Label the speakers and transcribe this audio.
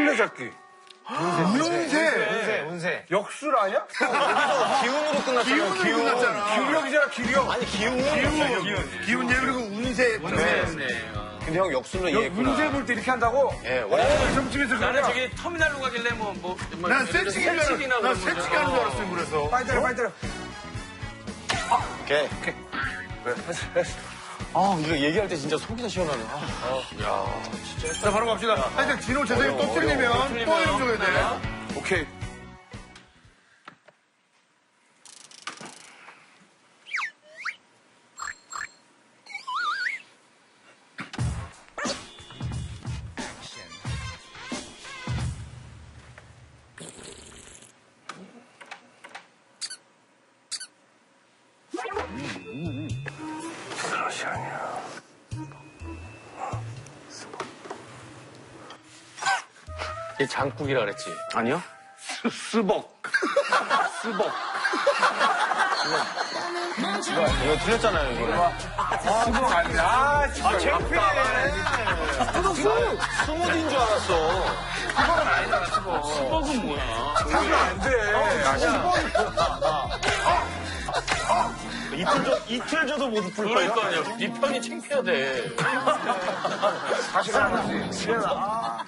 Speaker 1: 술래잡기.
Speaker 2: 운세.
Speaker 1: 역술 아니야?
Speaker 2: 기운으로 끝났잖아.
Speaker 1: 기력이잖아, 기력.
Speaker 2: 아니, 기운.
Speaker 3: 기운 예 그리고 운세.
Speaker 2: 근데 형 역술로 이해했구나.
Speaker 1: 운세 볼 때 이렇게 한다고?
Speaker 2: 예, 원래
Speaker 1: 점집에서
Speaker 4: 나는
Speaker 1: 그냥.
Speaker 4: 저기 터미널로 가길래
Speaker 3: 난 세치기나 난 세치기 하는 줄 알았어요, 그래서.
Speaker 1: 빨리 때려.
Speaker 2: 오케이. 아, 이거 얘기할 때 진짜 속이 다 시원하네.
Speaker 3: 자, 바로 갑시다. 하여튼 진호 재생이 또 틀리면 또 해줘야 돼.
Speaker 1: 오케이. 그것이 아니야.
Speaker 4: 얘 장국이라 그랬지.
Speaker 2: 아니요?
Speaker 1: 스벅.
Speaker 2: 이거 틀렸잖아요, 이거.
Speaker 1: 스벅 아니야. 진짜.
Speaker 2: 창피해. 스무디인 줄 알았어.
Speaker 4: 수박은 뭐야?
Speaker 1: 사실 안 돼.
Speaker 2: 이틀 줘도 못 풀 거예요?
Speaker 4: 그러니까요. 네 편이 창피하대.
Speaker 1: 사실 안 하지.